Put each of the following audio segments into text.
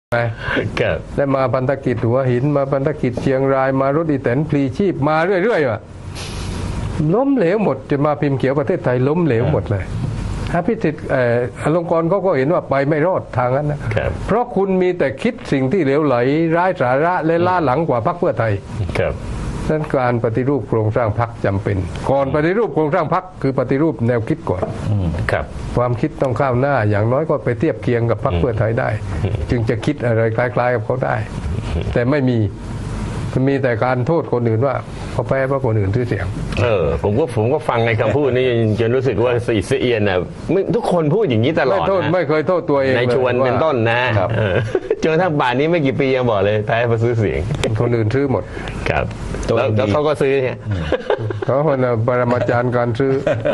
ไปได้มาพันธกิจหัวหินมาพันธกิจเชียงรายมารถอีแตนพลีชีพมาเรื่อยๆว่ะล้มเหลวหมดจนมาพิมพ์เขียวประเทศไทยล้มเหลวหมดเลยพิสิทธิ์อลงกรณ์เขาก็เห็นว่าไปไม่รอดทางนั้นนะเพราะคุณมีแต่คิดสิ่งที่เหลวไหลร้ายสาระและล้าหลังกว่าพรรคเพื่อไทยดังนั้นการปฏิรูปโครงสร้างพรรคจำเป็นก่อนปฏิรูปโครงสร้างพรรคคือปฏิรูปแนวคิดก่อนความคิดต้องก้าวหน้าอย่างน้อยก็ไปเทียบเคียงกับพรรคเพื่อไทยได้ จึงจะคิดอะไรคล้ายๆกับเขาได้ แต่ไม่มีแต่การโทษคนอื่นว่าเขาแพ้เพราะคนอื่นซื้อเสียงผมก็ฟังในคำพูดนี้จนรู้สึกว่าสีเอียนน่ะทุกคนพูดอย่างนี้ตลอดนะไม่เคยโทษตัวเองในชวนเป็นต้นนะจนทั้งป่านนี้ไม่กี่ปียังบอกเลยแพ้เพราะซื้อเสียงคนอื่นซื้อหมดครับแล้วเขาก็ซื้อเนี่ยเขาเป็นปรมาจารย์การซื้อ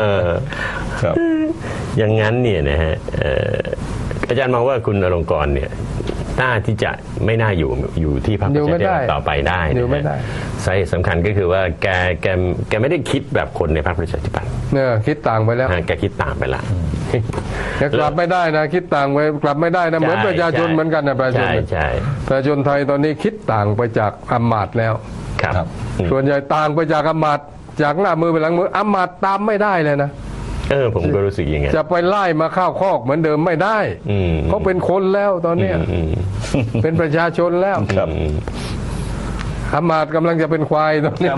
อย่างนั้นเนี่ยนะฮะอาจารย์มองว่าคุณอลงกรณ์เนี่ยน่าที่จะไม่น่าอยู่ที่พรรคประชาธิปัตย์ต่อไปได้สาเหตุสำคัญก็คือว่าแกไม่ได้คิดแบบคนในพรรคประชาธิปัตย์เนี่ยคิดต่างไปแล้วแกคิดต่างไปละแกกลับไม่ได้นะคิดต่างไปกลับไม่ได้นะเหมือนประชาชนเหมือนกันนะประชาชนประชาชนไทยตอนนี้คิดต่างไปจากอำมาตย์แล้วส่วนใหญ่ต่างไปจากอำมาตย์จากหน้ามือไปหลังมืออำมาตย์ตามไม่ได้เลยนะผมก็รู้สึกอย่างไงจะไปไล่มาข้าวคอกเหมือนเดิมไม่ได้เขาเป็นคนแล้วตอนนี้เป็นประชาชนแล้วอำมาตย์กำลังจะเป็นควายตอนนี้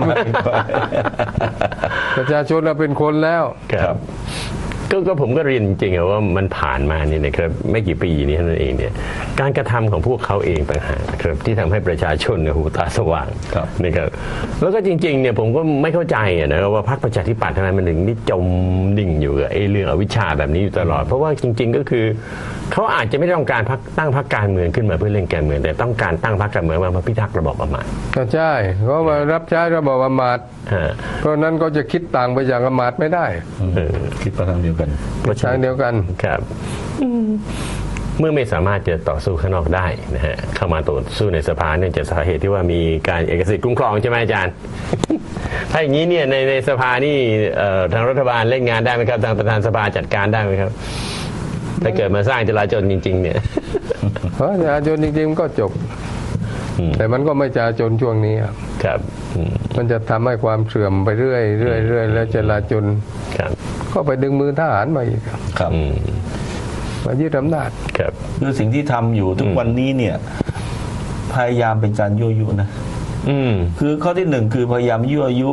ประชาชนเราเป็นคนแล้วก็ผมก็เรียนจริงๆว่ามันผ่านมานี่นะครับไม่กี่ปีนี้เท่านั้นเองเนี่ยการกระทำของพวกเขาเองต่างหากครับที่ทำให้ประชาชนหูตาสว่างนะครับแล้วก็จริงๆเนี่ยผมก็ไม่เข้าใจนะว่าพรรคประชาธิปัตย์ทำไมมันถึงนี่จมดิ่งอยู่กับเรื่องอวิชชาแบบนี้อยู่ตลอดเพราะว่าจริงๆก็คือเขาอาจจะไม่ต้องการตั้งพรรคการเมืองขึ้นมาเพื่อเล่นการเมืองแต่ต้องการตั้งพรรคการเมืองมาพิทักษ์ระบอบอำมาตย์ก็ใช่เขามารับใช้ระบอบอำมาตย์เพราะนั้นก็จะคิดต่างไปจากอำมาตย์ไม่ได้คิดประทางเดียวกันประชาเดียวกันครับเมื่อไม่สามารถจะต่อสู้ข้างนอกได้นะฮะเข้ามาต่อสู้ในสภาเนื่องจากสาเหตุที่ว่ามีการเอกสิทธิ์คุ้มครองใช่ไหมอาจารย์ถ้าอย่างนี้เนี่ยในสภานี่ทางรัฐบาลเล่นงานได้ไหมครับทางประธานสภาจัดการได้ไหมครับถ้าเกิดมาสร้างจลาจลจริงๆเนี่ยจลาจลจริงๆก็จบแต่มันก็ไม่จลาจลช่วงนี้ครับมันจะทำให้ความเสื่อมไปเรื่อยแล้วจลาจลก็ไปดึงมือทหารมาอีกครับมายึดอำนาจครับคือสิ่งที่ทำอยู่ทุกวันนี้เนี่ยพยายามเป็นการยั่วยุนะคือข้อที่หนึ่งคือพยายามยั่วยุ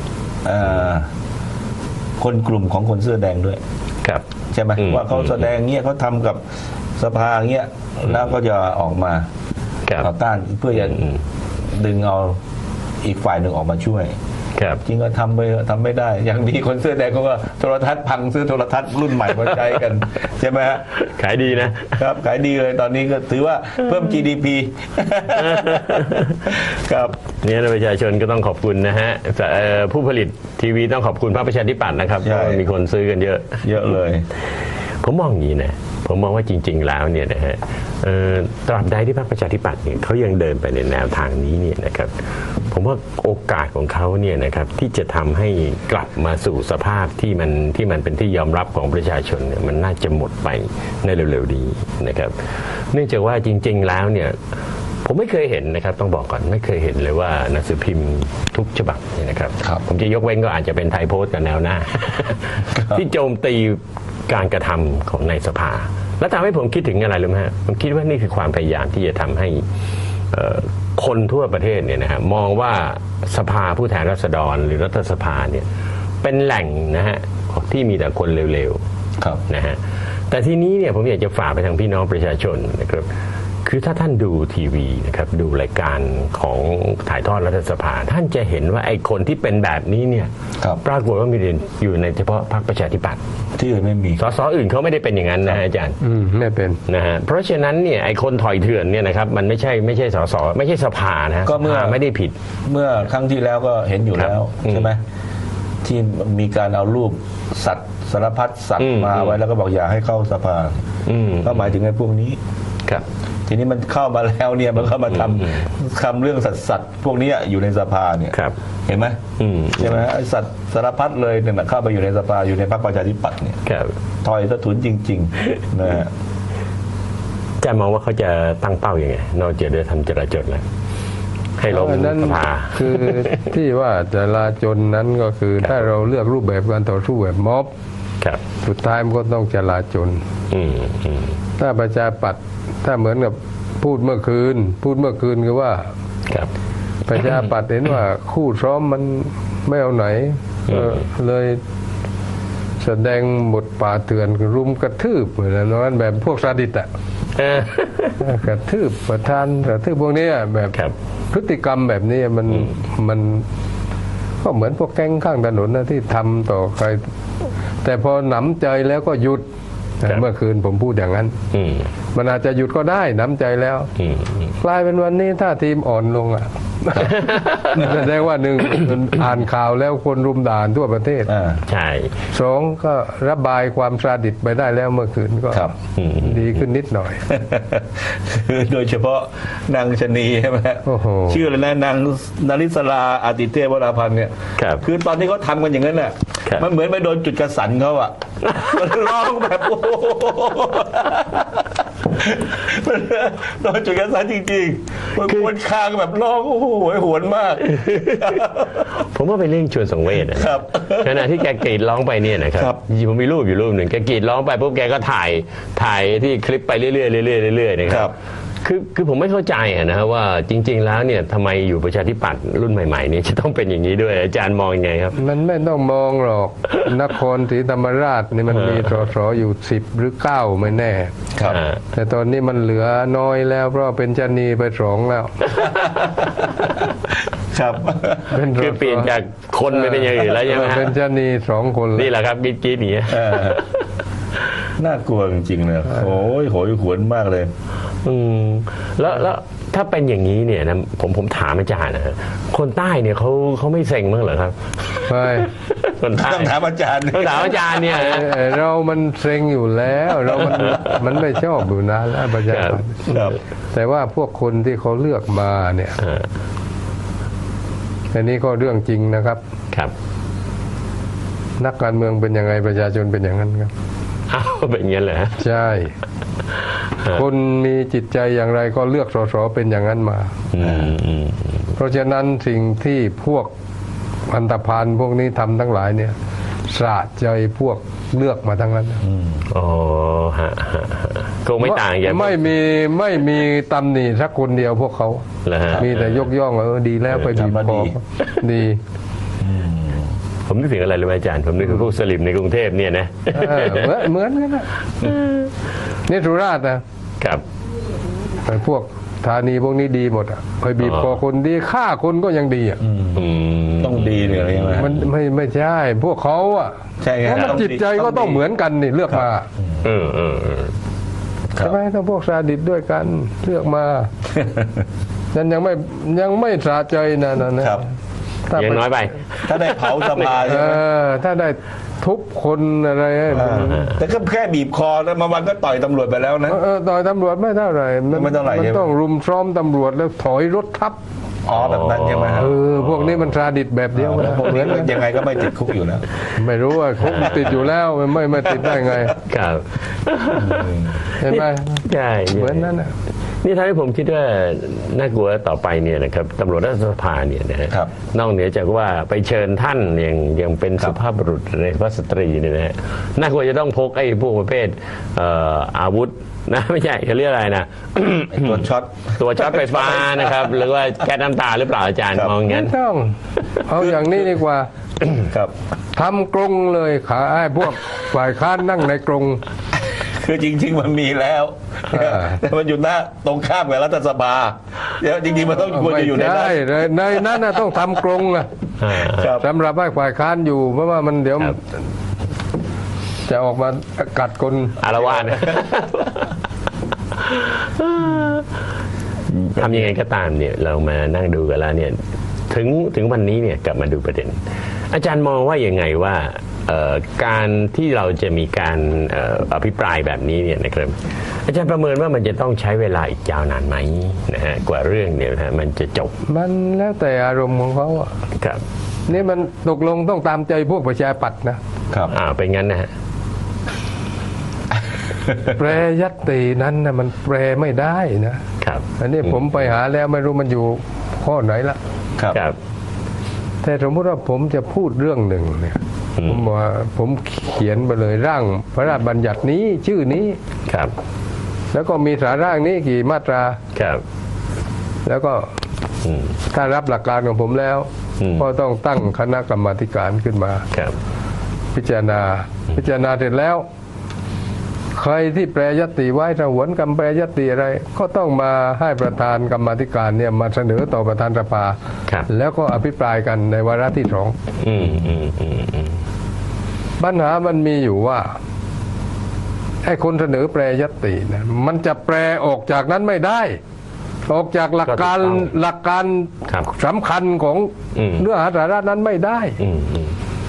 คนกลุ่มของคนเสื้อแดงด้วยครับใช่ไหมว่าเขาแสดงเงี้ยเขาทำกับสภาเงี้ยแล้วก็จะออกมาต่อต้านเพื่อจะดึงเอาอีกฝ่ายหนึ่งออกมาช่วยจริงก็ทำไม่ได้อย่างดีคนเสื้อแดงเขาก็โทรทัศน์พังซื้อโทรทัศน์รุ่นใหม่มาใช้กันใช่ไหมฮะขายดีนะครับขายดีเลยตอนนี้ก็ถือว่าเพิ่ม GDP ครับเนี่ยประชาชนก็ต้องขอบคุณนะฮะผู้ผลิตทีวีต้องขอบคุณพรรคประชาธิปัตย์นะครับเพราะมีคนซื้อกันเยอะเลยผมมองอย่างนี้นะผมมองว่าจริงๆแล้วเนี่ยนะฮะตราบใดที่พรรคประชาธิปัตย์เนี่ยเขายังเดินไปในแนวทางนี้เนี่ยนะครับผมว่าโอกาสของเขาเนี่ยนะครับที่จะทำให้กลับมาสู่สภาพที่มันเป็นที่ยอมรับของประชาชนเนี่ยมันน่าจะหมดไปในเร็วๆนี้นะครับเนื่องจากว่าจริงๆแล้วเนี่ยผมไม่เคยเห็นนะครับต้องบอกก่อนไม่เคยเห็นเลยว่าหนังสือพิมพ์ทุกฉบับเนี่ยนะครับผมจะยกเว้นก็อาจจะเป็นไทยโพสต์กับแนวหน้าที่โจมตีการกระทำของในสภาแล้วทำให้ผมคิดถึงอะไรรู้ไหมฮะผมคิดว่านี่คือความพยายามที่จะทำให้คนทั่วประเทศเนี่ยนะฮะมองว่าสภาผู้แทนราษฎรหรือรัฐสภาเนี่ยเป็นแหล่งนะฮะที่มีแต่คนเร็วๆนะฮะแต่ทีนี้เนี่ยผมอยากจะฝากไปทางพี่น้องประชาชนนะครับคือถ้าท่านดูทีวีนะครับดูรายการของถ่ายทอดรัฐสภาท่านจะเห็นว่าไอ้คนที่เป็นแบบนี้เนี่ยปรากฏว่ามีอยู่ในเฉพาะพรรคประชาธิปัตย์ที่อื่นไม่มีสสอื่นเขาไม่ได้เป็นอย่างนั้นนะอาจารย์ไม่เป็นนะฮะเพราะฉะนั้นเนี่ยไอ้คนถอยเถื่อนเนี่ยนะครับมันไม่ใช่สสไม่ใช่สภานะก็เมื่อไม่ได้ผิดเมื่อครั้งที่แล้วก็เห็นอยู่แล้วใช่ไหมที่มีการเอารูปสัตว์สารพัดสัตว์มาไว้แล้วก็บอกอย่าให้เข้าสภาก็หมายถึงไอ้พวกนี้ทีนี้มันเข้ามาแล้วเนี่ยมันเข้ามาทำเรื่องสัตว์พวกนี้อยู่ในสภาเนี่ยเห็นไหมใช่ไหมไอ้สัตว์สารพัดเลยเนี่ยเข้าไปอยู่ในสภาอยู่ในพรรคประชาธิปัตย์เนี่ยถอยสะทุนจริงๆนะฮะอาจารย์มองว่าเขาจะตั้งเป้าอย่างไงนอกจากเรื่องทำจราจรแล้วให้ล้มนั้นสภาคือที่ว่าจราจรนั้นก็คือถ้าเราเลือกรูปแบบการต่อสู้แบบม็อบครับสุดท้ายมันก็ต้องจราจรอืมอืมถ้าประชาปัตย์ถ้าเหมือนกับพูดเมื่อคืนคือว่าครับประชาปัตย์เห็นว่าคู่ซ้อมมันไม่เอาไหนเลยแสดงบทป่าเถื่อนรุมกระทืบเหมือนนั้นแบบพวกซาดิสอะ กระทืบประธานกระทืบพวกนี้แบบครับพฤติกรรมแบบนี้มันก็เหมือนพวกแก๊งข้างถนนนะที่ทำต่อใคร แต่พอหนำใจแล้วก็หยุดครับเมื่อคืนผมพูดอย่างนั้นอืมมันอาจจะหยุดก็ได้หนำใจแล้วอืมกลายเป็นวันนี้ถ้าทีมอ่อนลงอ่ะ แสดงว่าหนึ่ง อ่านข่าวแล้วคนรุมด่านทั่วประเทศใช่สองก็ระบายความซาดิสไปได้แล้วเมื่อคืนก็ครับดีขึ้นนิดหน่อยโดยเฉพาะนางชนีใช่ไหมโอ้โหชื่ออะไรนะนางนาริศราอาติเทพวราพันธ์เนี่ยครับคือตอนที่เขาทำกันอย่างนั้นน่ะครับมันเหมือนไปโดนจุดกระสันเขาอ่ะ มันร้องแบบโอ้โหมันโดนจุดกระสันจริงๆมันควนคางแบบร้องโอ้โหโหยหวนมากผมว่าเป็นเรื่องชวนสังเวชนะครับ ขณะที่แกกรีดร้องไปเนี่ยนะครับครับผมมีรูปอยู่รูปหนึ่งแกกรีดร้องไปปุ๊บแกก็ถ่ายที่คลิปไปเรื่อยๆเรื่อยๆเรื่อยๆนะคครัรับบ คือผมไม่เข้าใจนะฮะว่าจริง ๆ แล้วเนี่ยทำไมอยู่ประชาธิปัตย์รุ่นใหม่ๆเนี่ยจะต้องเป็นอย่างนี้ด้วยอาจารย์มองยังไงครับมันไม่ต้องมองหรอก นครศรีธรรมราชนี่มันมีสสอยู่10 หรือ 9ไม่แน่ครับแต่ตอนนี้มันเหลือน้อยแล้วเพราะเป็นชะนีไป2แล้วครับเป็นสสคือเปลี่ยนจากคนไปเป็นอย่างอื่นแล้วใช่ไหมฮะเป็นชะนี2 คนแล้วนี่แหละครับกรีดอย่างเงี้ยเออน่ากลัวจริงๆเลยโอ้ยโหยหวนมากเลยแล้วถ้าเป็นอย่างนี้เนี่ยนะผมถามอาจารย์นะฮะคนใต้เนี่ยเขาไม่เซ็งมั้างเหรอครับใช่คนใต้ต้องถามอาจารย์ต้องถามอาจารย์เนี่ยนะเรามันเซ็งอยู่แล้วเรามันไม่ชอบอยู่นานแล้วประชาชนครับแต่ว่าพวกคนที่เขาเลือกมาเนี่ยอันนี้ก็เรื่องจริงนะครับครับนักการเมืองเป็นยังไงประชาชนเป็นอย่างนั้นครับอ้าวเป็นอย่างนั้นเหรอฮะใช่ คนมีจิตใจอย่างไรก็เลือกสสเป็นอย่างนั้นมา เพราะฉะนั้นสิ่งที่พวกอันธพาลพวกนี้ทำทั้งหลายเนี่ยสะใจพวกเลือกมาทั้งนั้นอ๋อฮะคงไม่ต่างจากไม่มีตำหนิสักคนเดียวพวกเขาเหรอฮะมีแต่ยกย่องดีแล้วไปบีบคอดีผมนึกถึงอะไรรู้ไหมอาจารย์ผมนึกถึงพวกสลิมในกรุงเทพเนี่ยนะเหมือนกันนะนี่สุราษฎร์นะครับ ไอ้พวกธานีพวกนี้ดีหมดอ่ะไปบีบคอคนดีฆ่าคนก็ยังดีอ่ะต้องดีเนี่ยอะไรใช่ไหมมันไม่ใช่พวกเขาอ่ะใช่ไงเพราะมันจิตใจก็ต้องเหมือนกันนี่เลือกมาครัใช่บไหมถ้าพวกซาดิสด้วยกันเลือกมานั่นยังไม่สะใจนะครับ ถ้ายังน้อยไปถ้าได้เผาสภาใช่ไหมถ้าได้ทุบคนอะไรแต่ก็แค่บีบคอแล้วมาวันก็ต่อยตำรวจไปแล้วนะต่อยตำรวจไม่เท่าไหร่ไม่เท่าไหร่มันใช่ไหมต้องรุมซ้อมตำรวจแล้วถอยรถทับอ๋อแบบนั้นใช่ไหมฮะพวกนี้มันซาดิสแบบเดียวกันแล้วพวกนี้ก็ยังไงก็ไม่ติดคุกอยู่แล้วไม่รู้ว่าคุกติดอยู่แล้วไม่ติดได้ไงครับเห็นไหมใช่เหมือนนั้นน่ะนี่ทำให้ผมคิดว่าน่ากลัวต่อไปเนี่ยนะครับตำรวจรัฐสภาเนี่ยนะฮะครับนอกเหนือจากว่าไปเชิญท่านยังเป็นสุภาพบุรุษในพระสตรีเนี่ยนะฮะน่ากลัวจะต้องพกไอ้พวกประเภทอาวุธนะไม่ใช่เขาเรียกอะไรนะไอ้ตัวช็อตตัวช็อตไฟฟ้านะครับ หรือว่าแก๊สน้ำตาหรือเปล่าอาจารย์ครับมองอย่างไม่นั้นต้องเอาอย่างนี้ดีกว่าครับทำกรงเลยขาไอ้พวกฝ่ายค้านนั่งในกรงคือจริง ๆ มันมีแล้ว แต่มันอยู่หน้าตรงข้ามกับรัฐสภาเดี๋ยวจริงๆมันต้องควรจะอยู่ในนั้นไม่ใช่ในนั้นน่ะต้องทำกรงอะครับสำหรับให้ฝ่ายค้านอยู่เพราะว่ามันเดี๋ยวครับจะออกมากัดคนอารวาสทำยังไงก็ตามเนี่ยเรามานั่งดูกันแล้วเนี่ยถึงวันนี้เนี่ยกลับมาดูประเด็น อาจารย์มองว่ายังไงว่าการที่เราจะมีการอภิปรายแบบนี้เนี่ยนะครับอาจารย์ประเมินว่ามันจะต้องใช้เวลาอีกยาวนานไหมนะฮะกว่าเรื่องเนี่ยนะฮะมันจะจบมันแล้วแต่อารมณ์ของเขาอะครับนี่มันตกลงต้องตามใจพวกประชาปัตย์นะครับเป็นงั้นนะฮะแปรยตตินั้นนะมันแปรไม่ได้นะครับ อันนี้ผมไปหาแล้วไม่รู้มันอยู่ข้อไหนละครับครับแต่สมมติว่าผมจะพูดเรื่องหนึ่งเนี่ยผมว่าผมเขียนไปเลยร่างพระราชบัญญัตินี้ชื่อนี้ครับแล้วก็มีสาระนี้กี่มาตราครับแล้วก็อืมถ้ารับหลักการของผมแล้ว ก็ต้องตั้งคณะกรรมาธิการขึ้นมาครับพิจารณาเสร็จแล้ว ใครที่แปรยตติไว้ถ้าหวนคำแปรยตติอะไร ก็ต้องมาให้ประธานกรรมาธิการเนี่ยมาเสนอต่อประธานสภาครับแล้วก็อภิปรายกันในวาระที่สองอืมอืมอืมอืมปัญหามันมีอยู่ว่าไอ้คนเสนอแปรยตตินะมันจะแปรออกจากนั้นไม่ได้ ออกจากหลักการครับสำคัญของอืมเนื้อหาสาระนั้นไม่ได้อืมอืม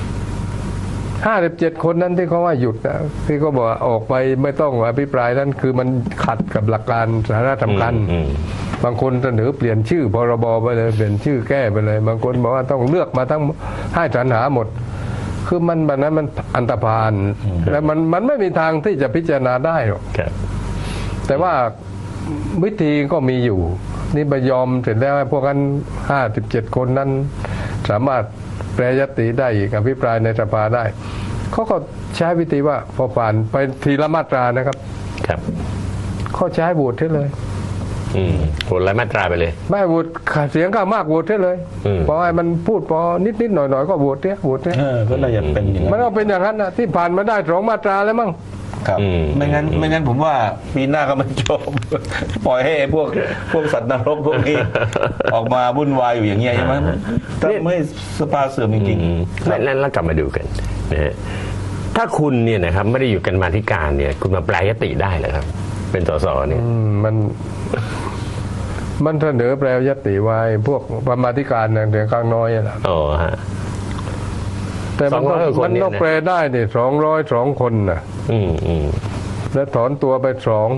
57 คนนั้นที่เขาว่าหยุดนะที่เขาบอกว่าออกไปไม่ต้องอภิปรายนั้นคือมันขัดกับหลักการสาระสำคัญอืมบางคนเสนอเปลี่ยนชื่อพรบไปเลยเปลี่ยนชื่อแก้ไปเลย บางคนบอกว่าต้องเลือกมาทั้งให้สรรหาหมด คือมันแบบนั้นมันอันตรพานและมันไม่มีทางที่จะพิจารณาได้หรอกครับแต่ว่าวิธีก็มีอยู่ นี่ไปยอมเสร็จแล้วพวกนั้น57 คนนั้น สามารถแปรยตติได้อีกอภิปรายในสภาได้เขาก็ใช้วิธีว่าพอผ่านไปทีละมาตรานะครับครับเขาใช้โหวตให้เลยอืมโหดรายมาตราไปเลยไม่โหวตเสียงข้างมากโหวตให้เลยอืมพอให้มันพูดพอนิดหน่อยก็โหวตเนี่ยโหวตเนี่ยก็น่าจะเป็นอย่างมันนั้นก็เป็นอย่างนั้นนะที่ผ่านมาได้2 มาตราแล้วมั้งครับอืมไม่งั้นผมว่าปีหน้าก็ไม่จบ ปล่อยให้ไอ้พวกสัตว์นรกพวกนี้ ออกมาวุ่นวายอยู่อย่างเงี้ยใช่ไหมถ้าไม่สภาเสื่อมจริงอืมๆครับแล้วกลับมาดูกันนะฮะถ้าคุณเนี่ยนะครับไม่ได้อยู่กันมาธิการเนี่ย คุณมาแปลยติได้เหรอครับ เป็นสสเนี่ยมันเสนอแปรยตติไว้พวกกรรมาธิการเนี่ยเดี๋ยวข้างน้อยแหละอ๋อฮะแต่มันต้อง 200 คนเนี่ยนะมันต้องแปลได้เนี่ย202 คนนะอืมอืมแล้วถอนตัวไป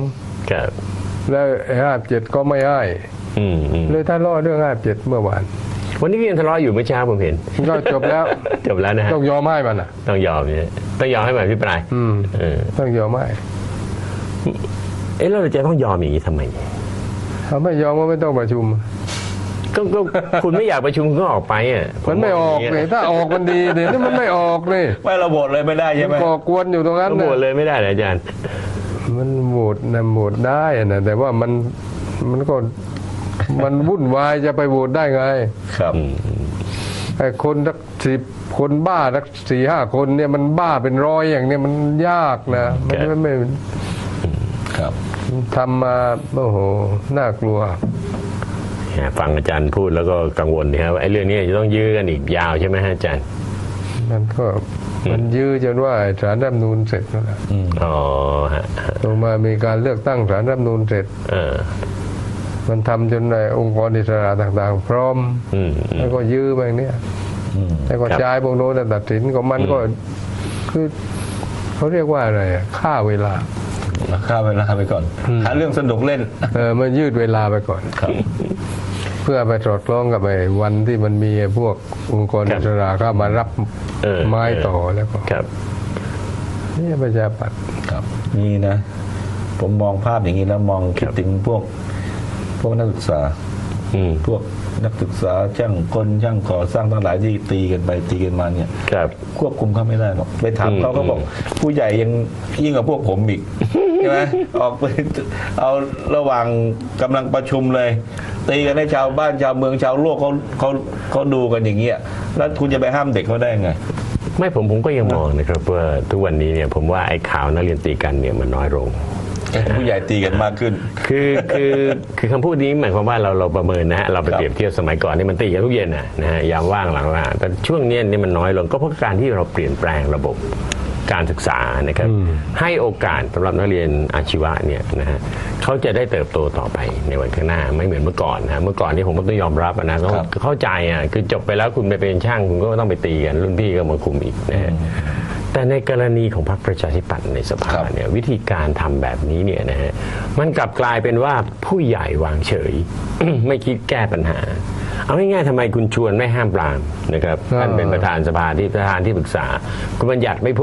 2 ครับแล้ว57ก็ไม่ให้อืมอืมเลยท่านล่อเรื่อง57เมื่อวานวันนี้ก็ยังทะเลาะอยู่เมื่อเช้าผมเห็นก็จบแล้วจบแล้วนะฮะต้องยอมให้มันอ่ะต้องยอมเนี่ยต้องยอมให้มาพิปรายเออต้องยอมให้เอ๊ะแล้วเราจะต้องยอมอย่างนี้ทำไมถ้าไม่ยอมก็ไม่ต้องประชุมก็คุณไม่อยากประชุมคุณก็ออกไปอ่ะมันไม่ออกเลยถ้าออกมันดีเดี๋ยวนี้มันไม่ออกเลยไม่ระบบเลยไม่ได้ใช่ไหมก่อกวนอยู่ตรงนั้นก็โหวตเลยไม่ได้เหรออาจารย์มันโหวตนะโหวตได้นะแต่ว่ามันก็มันวุ่นวายจะไปโหวตได้ไงครับไอ้คนสัก10 คนบ้าสัก4-5 คนเนี่ยมันบ้าเป็นร้อยอย่างเนี้ยมันยากนะมันไม่ครับทำมาโอ้โหน่ากลัวฟังอาจารย์พูดแล้วก็กังวลนะครับว่าไอ้เรื่องนี้จะต้องยื้อกันอีกยาวใช่ไหมฮะอาจารย์มันยื้อจนว่าศาลรัฐธรรมนูญเสร็จแล้วนะอ๋อฮะลงมามีการเลือกตั้งศาลรัฐธรรมนูญเสร็จเออมันทำจนในองค์กรอิสระต่างๆ พร้อมอืมแล้วก็ยื้อไปเนี่ยแล้วก็ครับใช้พวกโน้นตัดสินของมันก็คือเขาเรียกว่าอะไรอะฆ่าเวลาข้ามเวลาไปก่อน หาเรื่องสนุกเล่นมันยืดเวลาไปก่อนครับเพื่อไปสอดคล้องกับไอ้วันที่มันมีพวกองค์กรอิสระเข้ามารับไม้ต่อแล้วก็ครับนี่ประชาปัตย์ครับนี่นะ ผมมองภาพอย่างนี้แล้วมองคิดถึงพวกนักศึกษาอืมพวกนักศึกษาช่างกลช่างก่อสร้างทั้งหลายที่ตีกันไปตีกันมาเนี่ยครับควบคุมเขาไม่ได้หรอกไปถามเขาก็บอก ผู้ใหญ่ยังยิ่งกว่าพวกผมอีก ใช่ไหมออกไปเอาระหว่างกำลังประชุมเลย ตีกันให้ชาวบ้านชาวเมืองชาวโลกเขาดูกันอย่างเงี้ยแล้วคุณจะไปห้ามเด็กเขาได้ไงไม่ผมก็ยังมองนะครับว่าทุกวันนี้เนี่ยผมว่าไอ้ข่าวนักเรียนตีกันเนี่ยมันน้อยลงผู้ใหญ่ตีกันมากขึ้นคือคำพูดนี้หมายความว่าเราประเมินนะฮะเราไปเปรียบเทียบสมัยก่อนนี่มันตีกันทุกเย็นนะฮะยามว่างหลังว่าแต่ช่วงนี้นี่มันน้อยลงก็เพราะการที่เราเปลี่ยนแปลงระบบการศึกษานะครับให้โอกาสสำหรับนักเรียนอาชีวะเนี่ยนะฮะเขาจะได้เติบโตต่อไปในวันข้างหน้าไม่เหมือนเมื่อก่อนนะเมื่อก่อนนี่ผมก็ต้องยอมรับนะต้องเข้าใจคือจบไปแล้วคุณไปเป็นช่างคุณก็ต้องไปตีกันรุ่นพี่ก็มาคุมอีกนะฮะแต่ในกรณีของพรรคประชาธิปัตย์ในสภาเนี่ยวิธีการทำแบบนี้เนี่ยนะฮะมันกลับกลายเป็นว่าผู้ใหญ่วางเฉย ไม่คิดแก้ปัญหาเอาง่ายๆทำไมคุณชวนไม่ห้ามปรามนะครับท่านเป็นประธานสภาที่ปรึกษาคุณบัญญัติไม่